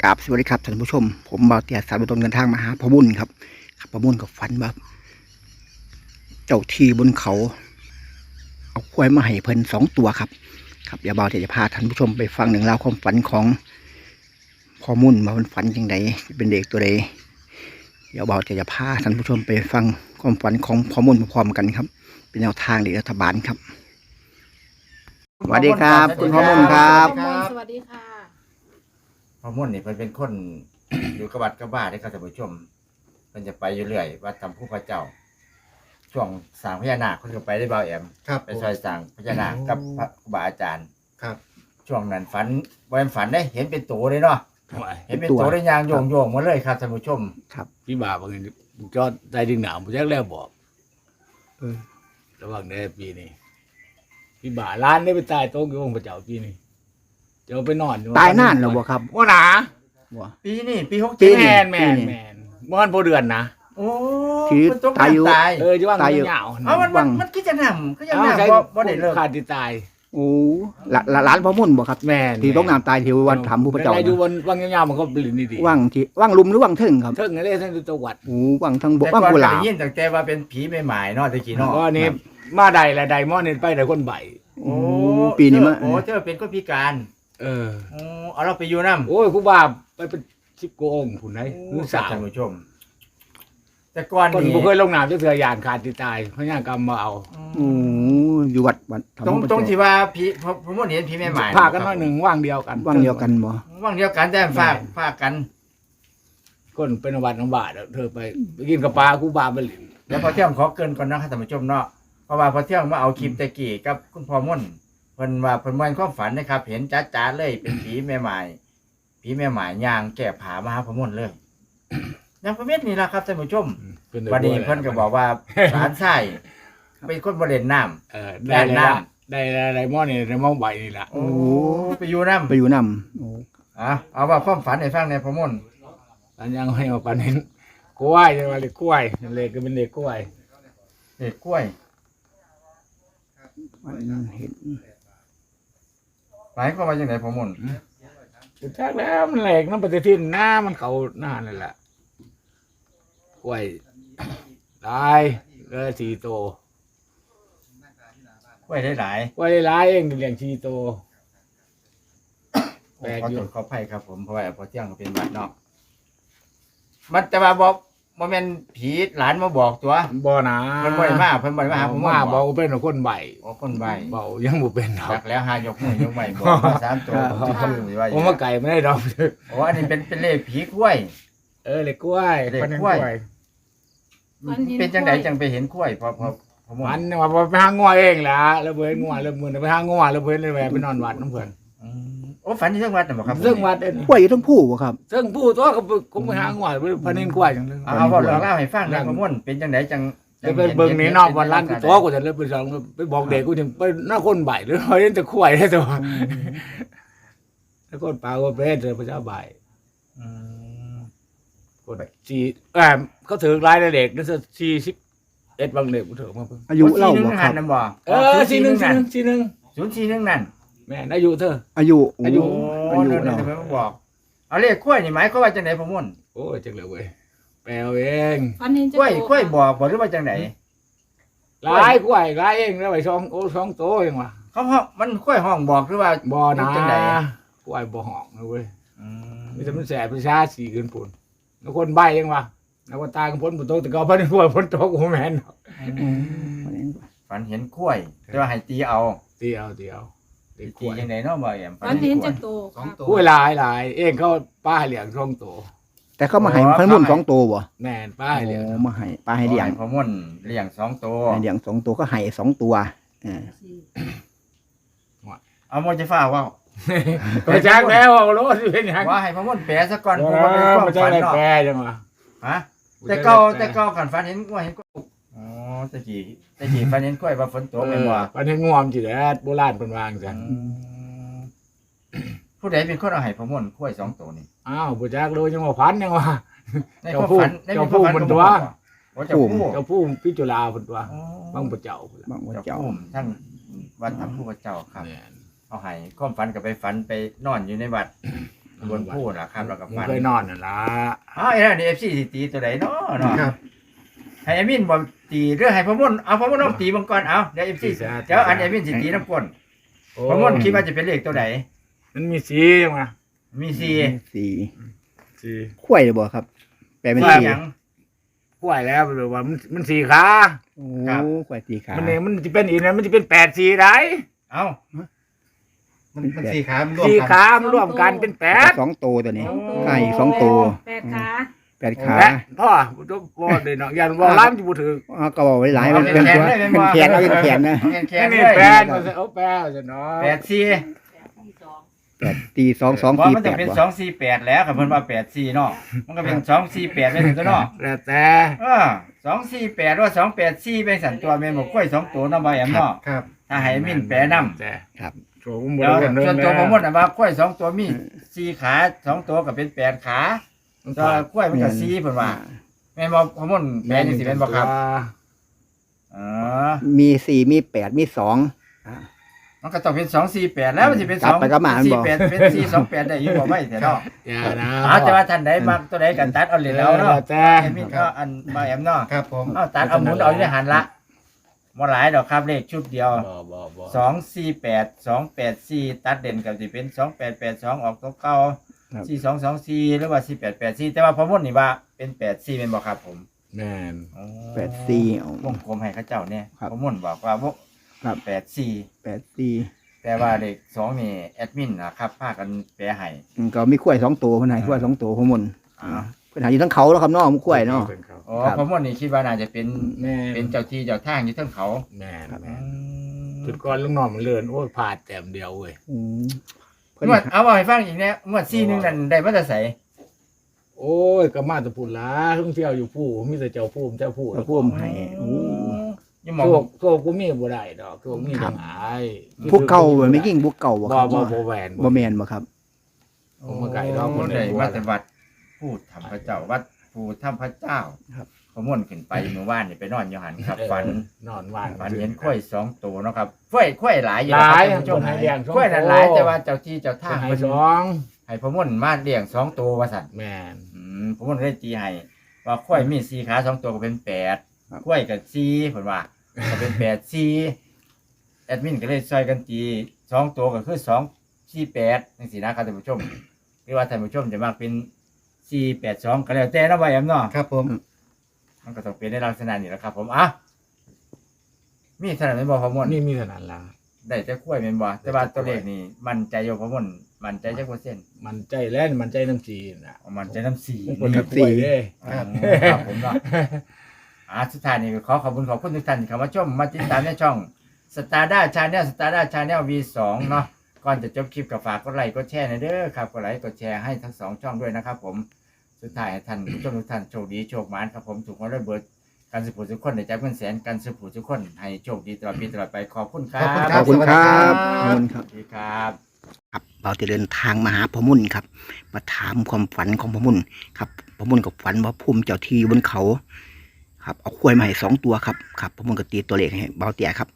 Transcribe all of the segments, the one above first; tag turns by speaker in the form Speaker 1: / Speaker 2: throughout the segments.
Speaker 1: กราบสวัสดีครับท่านผู้ชมผมบ่าวเตี้ยสายบุญตนเดินทางมาหาพ่อมุ่นครับพ่อมุ่นกับฝันว่าเจ้าที่บนเขาเอาควายมาให้เพิ่น2 ตัวครับเดี๋ยวบ่าวเตี้ยจะพาท่านผู้ชมไปฟังหนึ่งราวความฝันของพ่อมุ่นมาเป็นฝันยังไงเป็นเด็กตัวใดเดี๋ยวบ่าวเตี้ยจะพาท่านผู้ชมไปฟังความฝันของพ่อมุ่นพร้อมๆกันครับเป็นแนวทางเด็กรัฐบาลครับสวัสดีครับคุณพ่อมุ่นครับ
Speaker 2: สวัสดีค่ะ
Speaker 3: พ่อมุ่นนี่เพิ่นเป็นคน อยู่กับวัดกับบ้านได้ครับท่านผู้ชมเพิ่นจะไปอยู่เรื่อยวัดทำผู้พระเจ้า ช่วงสร้างพญานาคเพิ่นก็ไปได้เบาแอม
Speaker 4: ครับ
Speaker 3: ไปซอยสร้างพญานาคกับพระครูบาอาจารย์
Speaker 4: ครับ
Speaker 3: ช่วงนั้นฝันบ่แม่นฝันได้เห็นเป็นตัวเลยเนาะเห็นเป็นตัวได้ยางโยงๆมาเลยครับท่านผู้ชม
Speaker 5: พี่บ่าวบางทีจอดใจดึงหนาวผมแจ้งแล้วบอกระหว่างในปีนี้พี่บ่าร้านได้ไปตายโต๊ะอยู่องค์พระเจ้าปีนี้เจ้าไปนอน
Speaker 1: ตายนานแล้วบ่ครับ
Speaker 5: ว่าหนา
Speaker 1: บ่
Speaker 3: ปีนี้ปี
Speaker 1: ปี
Speaker 3: 67
Speaker 1: นี้
Speaker 5: แมนเมื่อวันพอเดือนนะ
Speaker 3: โอ้
Speaker 1: ชีวิต
Speaker 3: เพิ่นตก
Speaker 1: ตายอยู่
Speaker 3: น้ำตาย
Speaker 5: จะว่าง
Speaker 1: ตายอยู่
Speaker 5: เงา
Speaker 3: เอามันคิดจะนำก็ยังนำบ่ได้เลิก
Speaker 5: ขาดที่ตาย
Speaker 1: โอ้หลานพ่อมุ่นบ่ครับ
Speaker 5: แมน
Speaker 1: ที่ต้องน้ำตายที่วันถามผู้พระเจ้า
Speaker 5: ได้อยู่วันว่างเงามันก็ปลินดี
Speaker 1: ว่างที่ว่างลุมหรือว่างเทิงครับ
Speaker 5: เทิงอะไรท่านตัววัด
Speaker 1: โอ้ว่างทั้งบก
Speaker 3: แต่
Speaker 1: ว่าง
Speaker 3: ก่อน
Speaker 1: กุห
Speaker 3: ก็
Speaker 1: ลาบ
Speaker 3: ได้ยินตั้งแต่ว่าเป็นผีใหม่ๆเนาะตะกี้เนาะ
Speaker 5: ก็นี่มาใดละใดมอนี่ไปใดคนใบ
Speaker 3: โอ้
Speaker 1: ปีนี้มา
Speaker 3: โอ้เธอเป็นคนพิการ
Speaker 5: เออ
Speaker 3: โอ้เอาเราไปอยู่น้ำ
Speaker 5: โอ้ยครูบาไปเป็น10 กว่าองค์ผุนไหนมือสาว
Speaker 3: ท่านผู้ชม แต่ก่อน
Speaker 5: คน
Speaker 3: นี่
Speaker 5: บุเคยลงน้ำจะเสือยานขาดที่ตายพระญากรรมมาเอา
Speaker 1: โอ้อยู่วัดธรรม
Speaker 3: ตรง
Speaker 1: ประ
Speaker 3: ตรง
Speaker 1: เจ้า
Speaker 3: ที่ว่าผีผมเห็นผีใหม่ๆ
Speaker 5: พากันมาหนึ่งว่างเดียวกัน
Speaker 1: ว่างเดียวกันบ่
Speaker 3: ว่างเดียวกันแต่ฝากกัน
Speaker 5: คนเป็นวัดน้องบาทเธอไปกินกับปลาครูบาไปหลิน
Speaker 3: แล้วพอเที่ยงขอเกินก่อนนะครับท่านผู้ชมเนาะเพราะว่าพอเที่ยงมาเอาคลิปตะกี้กับคุณพ่อม่นเพิ่นว่าเพิ่นเหมือนความฝันนะครับ เห็นจ๋าๆเลยเป็นผีใหม่ๆผีใหม่ๆย่างแก่ผามาหาพ่อม่นเลยยังประเภทนี้ล่ะครับท่านผู้ชมวันนี้เพิ่นก็บอกว่าหลานชายเป็นคนบ่เล่นน้ำ
Speaker 5: เออได้หม้อนี่ได้หม้อใบนี่แหละ
Speaker 3: โอ้ไปอยู่น้ำ
Speaker 1: ไปอยู่นำโอ้
Speaker 3: เอาว่าความฝันให้ฟังในอยพ่อม่น
Speaker 5: อันยังให้มาปันเห็นกล้วยจะมาเล็กกล้วยเล็กก็เป็นเล็กกล้วย
Speaker 3: เด็กกล้วย
Speaker 1: วันเห็น
Speaker 3: หมายความว่าจังไดพ่อม่น
Speaker 5: สุดท้ายแล้วมันเล็กน้ำปฏิทินหน้ามันเขาหน้านั่นแหละกล้วยได้เลย4 โต
Speaker 3: กล้วยได้หลาย
Speaker 5: กล้วยได้หลายเองเลี้ยง4 โต แปลก
Speaker 3: ขอ
Speaker 5: อยู่
Speaker 3: โทษขออภัยครับผมเพราะว่าพอเที่ยงก็เป็นบัดเนาะมันจะมาบอกบ่แม่นผีหลานมาบอกตัว
Speaker 5: บ่นะ
Speaker 3: เพิ่นบ่ได้มาเพิ่นบ่ได้มาหาผม
Speaker 5: มาบอกว่าเป็นคนใบ
Speaker 3: โอ้คนใบ
Speaker 5: เบายังบ่เป็นดอก
Speaker 3: จักแล้วหายกมือยกไม้บอกมาสามตัวผมสิชื่อว่าอ
Speaker 5: ผ
Speaker 3: ยู่
Speaker 5: มมาไก่ไม่ได้ดอก
Speaker 3: โอ้อันนี้เป็นเลขผีกล้วย
Speaker 5: เล็กกล้วย
Speaker 3: เล็กกล้วย
Speaker 2: ฝันเห็น
Speaker 3: เป็นจังได
Speaker 2: กล้วย
Speaker 3: จังไปเห็นกล้วยพอผม
Speaker 5: มันว่าไปหางัวเองล่ะแล้วเพิ่นงัวแล้วมื้อไปหางัวแล้วเพิ่นเลยแวะไปนอนวัดน้ำเพิ่น
Speaker 3: โอ้ฝันที่เรื่องวัดน่ะบ่ครับ
Speaker 5: ซึ่งวัดเอ็น
Speaker 1: กล้วยอยู่ทั้งผู้บ่ครับ
Speaker 5: ซึ่งผู้ตัวก็ไปหางัวพนินกล้วยจังเลย
Speaker 3: เอาเว้าเรื่องเล่าวให้ฟังหนะพ่อม่วนเป็นจังไดจัง
Speaker 5: ไปเบิ่งนี่นอกวันร้านตัวกูจะเลยไปสองไปบอกเด็กกูถึงไปหน้าคนใบหรือเห็นแต่กล้วยได้ตัวแล้วคนปลาก็เป็นเจอพระเจ้าใบ
Speaker 3: อืม
Speaker 5: คนเขาถือรายเด็กนั่น41บางเด็กกูถือมาเพิ่ง
Speaker 1: อายุเล่า
Speaker 3: สี่หนึ่
Speaker 1: บ่
Speaker 3: ง
Speaker 1: ครั
Speaker 3: หั
Speaker 1: บ
Speaker 3: นน่ะบ่
Speaker 5: 41
Speaker 3: นั่น041
Speaker 5: แม่อายุเธอ
Speaker 1: อายุโอ้
Speaker 5: อายุ
Speaker 3: โอ้
Speaker 1: อายุ
Speaker 3: เดี๋ยว
Speaker 1: เนาะ
Speaker 3: เพิ่นมาบอกเอาเลขกล้วยนี่หมายความว่าจังไดพ่อม่วน
Speaker 5: โอ้ยจังเลยเว้ยแปลเอง
Speaker 2: ฝันเห็น
Speaker 3: กล้วยกล้วยบอกบ่หรือว่าจังได
Speaker 5: หลายกล้วยหลายเองแล้วไปช่องโตเองว่ะ
Speaker 3: เขาห้องมันกล้วยห้องบอกหรือว่า
Speaker 5: บ่นะ
Speaker 3: จังได
Speaker 5: กล้วยบ่หอกนะเว้ย
Speaker 3: อืม
Speaker 5: มีแต่มันแสบประชาสีเกินปุ่นแล้วคนใบยังวะแล้วก็ตายกันพ้นฝนตกแต่ก็พ้นหัวพ้นตกหัวแมน
Speaker 1: อืม
Speaker 3: ฝันเห็นกล้วยแต่ว่าให้ตีเอา
Speaker 5: เดียวเด็กก
Speaker 3: ตี
Speaker 5: ล้วย
Speaker 3: จังไดเนาะบ่แอม
Speaker 2: ฝันเห็นจากโต
Speaker 4: สองตัว
Speaker 5: กล้วยหลายเองเขาป้าให้เลี้ยงช่องโต
Speaker 1: แต่เขามาให้พ่อมุ่น2 ตัวบ่
Speaker 5: แม่นป้าให้เลี้ยง
Speaker 1: โอ้มาให้ปลาให้เลี้ยง
Speaker 3: พ่อม่วนเลี้ยง2ตัว
Speaker 1: ให้เลี้ยง2 ตัวก็ให้2 ตัวอ่า
Speaker 3: เอาโมจะฟ้าว่า
Speaker 5: ก็จ้างแล้วเอาโลดสิเป็นหยัง
Speaker 3: ว่าให้พ่อม่วนแปลซะก่อน
Speaker 5: โอ้
Speaker 3: เพราะว่าเป็นความ
Speaker 5: มาจ้าง
Speaker 3: ฝัน
Speaker 5: ได้
Speaker 3: เนาะ
Speaker 5: แปรจังวะ
Speaker 3: ฮะแต่เก่ากันฝันเห็นกล้วยเห็นกล้วยอ๋อตะกี้ฝันเห็นกล้วยว่าฝนตกแม่นบ่
Speaker 5: ปันให้งวมจิแลโบราณเพิ่นวาจังซั่น
Speaker 3: ผู้ใดเป็นคนเอาให้พ่อม่วนกล้วย2ตัวนี่
Speaker 5: อ้าวบ่จักเลยจังว่าพันยังวะ
Speaker 3: ในความฝันในความฝัน
Speaker 5: เจ้าผู้มันตัว
Speaker 3: โอ้เจ้าผู้
Speaker 5: เจ้าผู้พิจุลาเพิ่นตัว
Speaker 3: อ๋อ
Speaker 5: บางบ่เจ้าพุ่นล่ะ
Speaker 1: บางว่า
Speaker 3: เจ้า
Speaker 1: เจ้า
Speaker 3: ผู้ทั้งวัดทำผู้พระเจ้าครับ
Speaker 5: แม่น
Speaker 3: เอาให้ความฝันกับไปฝันไปนอนอยู่ในวัดบนพูดล่ะครับแล้วก็
Speaker 5: มึง
Speaker 3: ฝัน
Speaker 5: เคยนอนนั่นล่ะ
Speaker 3: อ๋อไอ้นั่นนี่ FC สิตีตัวใดเนาะเนาะ
Speaker 1: ครับ
Speaker 3: ให้แอดมินบ่ตีหรือให้พ่อมนเอาพ่อมนเอาตีบังก่อนเอาเดี๋ยว FC เดี๋ยวอันแอดมินสิตีน้ำก้น
Speaker 5: โอ้
Speaker 3: พ่อมนคิดว่าจะเป็นเลขตัวใด
Speaker 5: มันมีสีมา
Speaker 3: มี
Speaker 1: สี่
Speaker 5: สี
Speaker 1: ข้วยเลยบ่ครับ แปลเป็น
Speaker 3: 4ว่า
Speaker 1: สี่
Speaker 3: หยัง
Speaker 5: กล้วยแล้วหรือว่ามันสีขา
Speaker 1: โอ้
Speaker 3: ครับ
Speaker 1: ข้วยสี่ขา
Speaker 5: มันเนี่ยมันจะเป็นอีกนะมันจะเป็น8สีได้
Speaker 3: เอ้า
Speaker 4: มันสี่ขามันร่วม
Speaker 5: สี
Speaker 4: กัน
Speaker 5: ขามันร่วมกันเป็นแปด
Speaker 1: สองตัวตัวนี้
Speaker 2: สองตัว
Speaker 1: ไก่สองตัว
Speaker 2: 8 ขา
Speaker 1: แปดขา
Speaker 5: แปดพ่อบ่ได้เนาะยันว่าล้านจะบ่ถือ
Speaker 1: อ๋อก็บอกไว้หลายมันเป็นตัวเป็นแขนเอาเป็นแขนนะ
Speaker 3: แข็งๆ
Speaker 5: นี่
Speaker 3: เลย
Speaker 5: แปดเอาแปดจะเนาะ
Speaker 3: 84
Speaker 1: แปดตีสอง
Speaker 3: เพราะ
Speaker 1: สี่
Speaker 3: มัน
Speaker 1: แป
Speaker 3: จะ
Speaker 1: ด
Speaker 3: เป็น
Speaker 1: บ่
Speaker 3: 248แล้วครับเพิ่นว่า84เนาะมันก็เป็น248เป็นตัวเนาะ
Speaker 5: แล้วแต่
Speaker 3: 248ว่า284เป็นสันตัวแม่นบ่ค่อย2ตัวเนาะบ่แอมเนาะ
Speaker 4: ครับ
Speaker 3: ถ้าให้มินแปรนำ
Speaker 5: แต่
Speaker 1: ครับ
Speaker 5: โชว์ผมบ่
Speaker 3: เดี๋ยว
Speaker 5: ได้
Speaker 3: ส่วนตัวผมหมดน่ะว่าค่อย2ตัวมี4ขา2ตัวก็เป็น8ขาตัวค่อยมันก็4เพิ่นว่าแม่นบ่ผมหมดแปลจังซี่แม่นบ่ครับอ๋อ
Speaker 1: มีสี่มีแปดมีสอง
Speaker 3: มันก็ต้องเป็น248แล้วมันสิเป็น
Speaker 1: กลับไปกลับมามันบ่
Speaker 3: 48เป็น428ได้อยู่บ่ไว้แต่เนาะ
Speaker 5: อย่านะ
Speaker 3: แต่ว่าท่านใดมักตัวใดก็ตัดเอาเลยแล้วเนาะ
Speaker 5: แต่
Speaker 3: ให้มินก็อันบ่แอมเนาะ
Speaker 4: ครับผม
Speaker 3: เอาตัดเอาหมุนเอาอยู่ในหันละบ่หลายดอกครับเลขชุดเดียว
Speaker 5: บ่
Speaker 3: 248 284ตัดเด่นกับสิเป็น2882ออกตัวเก่า4224หรือว่า4884แต่ว่าพอมดนี่ว่าเป็น84แม่นบ่ครับผม
Speaker 5: แม่น
Speaker 3: อ๋อ
Speaker 1: แปดสี่เอา
Speaker 3: วงกลมให้เขาเจ้าเนี่ย
Speaker 1: ครับ
Speaker 3: พอมดบอกว่าบ่
Speaker 1: ครับ
Speaker 3: 84
Speaker 1: แปดสี่
Speaker 3: แต่ว่าเลข2นี่แอดมินนะครับพากันแปลให้
Speaker 1: ก็มีข้วยสองตัวคนไหนข้วยสองตัวข้างบน
Speaker 3: อ๋อ
Speaker 1: เพิ่นหาอยู่ทั้งเขาแล้วครับเนาะมันข้วยเนาะ
Speaker 3: อ๋อ
Speaker 1: ครับ
Speaker 3: พอมดนี่คิดว่าน่าจะเป็น
Speaker 5: แม่น
Speaker 3: เป็นเจ้าที่เจ้าทางอยู่เทั้งเขา
Speaker 5: แม่น
Speaker 3: อื
Speaker 5: แม่น
Speaker 3: ม
Speaker 5: จุดก่อนลูกน้องมันเลื่อนโอ้ยพลาดแต้มเดียวเว้ย
Speaker 1: อืมเพิ่น
Speaker 3: งวดเอาให้ฟังอีกเนี่ยงวด4นึงนั่นได้มาแต่ไส
Speaker 5: โอ้ยก็มาแตะพุ่นล่ะท่องเที่ยวอยู่ผู้มีแต่เจ้าผู้เจ้าผู้
Speaker 1: เอาพ่วมให้โอ้
Speaker 3: ยังมอง
Speaker 5: โชคกูมีบ่ได้ดอกโชคมีทั้งหลาย
Speaker 1: พวกเก่าบ่ไม่ยิ่งพวกเก่าบ่ครับ
Speaker 5: บ่แหวน
Speaker 1: บ่แม่นบ่ครับ
Speaker 5: ผมมาไก่รอบคน
Speaker 3: ได้
Speaker 5: ได้
Speaker 3: มาแต่วัดพูดธรรมพระเจ้าวัดผู้ธรรมพระเจ้า
Speaker 1: ครับ
Speaker 3: ขม่วนขึ้นไปเมื่อวานนี่ไปนอนอยู่หันครับฝัน
Speaker 5: นอนว่าน
Speaker 3: ฝันเห็นข้อย2ตัวเนาะครับข้อยหลายอยู่
Speaker 5: หลาย
Speaker 3: ครับท่านผู้ชม
Speaker 5: คนให้เลี้ยงสอง
Speaker 3: ข้อยนั่นหลายแต่ว่าเจ้าที่เจ้า
Speaker 5: ทา
Speaker 3: ทาง ง
Speaker 5: ให้
Speaker 3: เพิ่น
Speaker 5: สอง
Speaker 3: ให้พม่วนมาเลี้ยง2ตัวว่าซั่น
Speaker 5: แม่น
Speaker 3: พม่วนเลยตีให้ว่าข้อยมี4ขา2ตัวก็เป็น8ข้อยก็4เพิ่นว่าก็เป็น8 4แอดมินก็เลยช่วยกันตี2ตัวก็คือ2 4 8จังซี่นะครับท่านผู้ชมหรือว่าท่านผู้ชมจะมักเป็น482ก็แล้วแต่เนาะว่าแอมเนาะ
Speaker 4: ครับผม
Speaker 3: มันก็ต้องเป็นในลักษณะนี้แหละครับ ผมอ่ะมีเท่านั้นไม่บอกพอมด
Speaker 5: นี่มีเท่านั้นล่ะ
Speaker 3: ได้จะคุ้ยเป็นบ่แต่ว่าตัวเลขนี่มันใจโยพอมดมันใจจักเปอร์เซ็นต์
Speaker 5: มันใจแล่นมันใจน้ำจีนน่ะ
Speaker 3: มันใจน้ำสี
Speaker 5: คน
Speaker 3: นี่
Speaker 5: กับสี่เด้
Speaker 3: ครับผมเนาะสุดท้ายนี่ขอขอบคุณทุกท่านที่เข้ามาชมมาติดตามในช่องสตาร์ด้าชาแนลสตาร์ด้าชาแนล V2 เนาะก่อนจะจบคลิปก็ฝากกดไลค์กดแชร์หน่อยเด้อครับกดไลค์กดแชร์ให้ทั้ง2ช่องด้วยนะครับ ผมสุดท้ายให้ท่านผู้ชมทุกท่านโชคดีโชคหมานครับผมถูกมาด้วยเบิร์ดการสืบผู้ทุกคนในใจเพื่อนแสนการสืบผู้ทุกคนให้โชคดีตลอดปีตลอดไปขอบคุณครับ
Speaker 1: ขอบคุณครับ
Speaker 4: สวัสดีครับ
Speaker 1: ขอบคุณครับ
Speaker 3: สวัสดีครับ
Speaker 1: ครับเราจะเดินทางมาหาพ่อมุ่นครับ มาถามความฝันของพ่อมุ่นครับพ่อมุ่นกับฝันว่าภูมิเจ้าที่บนเขา ครับเอาควายมาให้2ตัวครับครับพ่อมุ่นก็ตีตัวเลขให้เบาเตี่ยครับ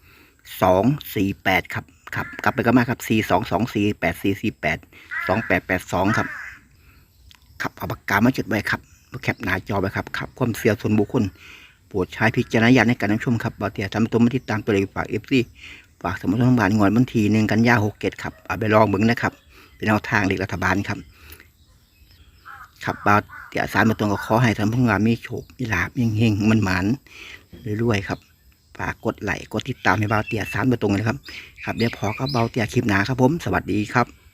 Speaker 1: 248ครับครับกลับไปก็มาครับ422484482882ครับครับเอาปากกามาจดไว้ครับแคปหน้าจอไว้ครับครับความเสียส่วนบุคคลโปรดใช้พิจารณญาณในการรับชมครับเบาเตี่ยทำตัวมาติดตามตัวเลขฝากFCฝากสมุดทางบ้านงวดวันที่1 กันยายน67ครับเอาไปลองเบิ่งนะครับเป็นแนวทางเลขรัฐบาลครับครับบ่าวเตี่ยสารมาตรงก็ขอให้ท่านผู้งานมีโชคมีลาภเฮงๆมันหมานๆรวยๆครับฝากกดไลค์กดติดตามให้บ่าวเตี่ยสารมาตรงเลยครับครับเดี๋ยวพอกับบ่าวเตี่ยคลิปหน้าครับผมสวัสดีครับ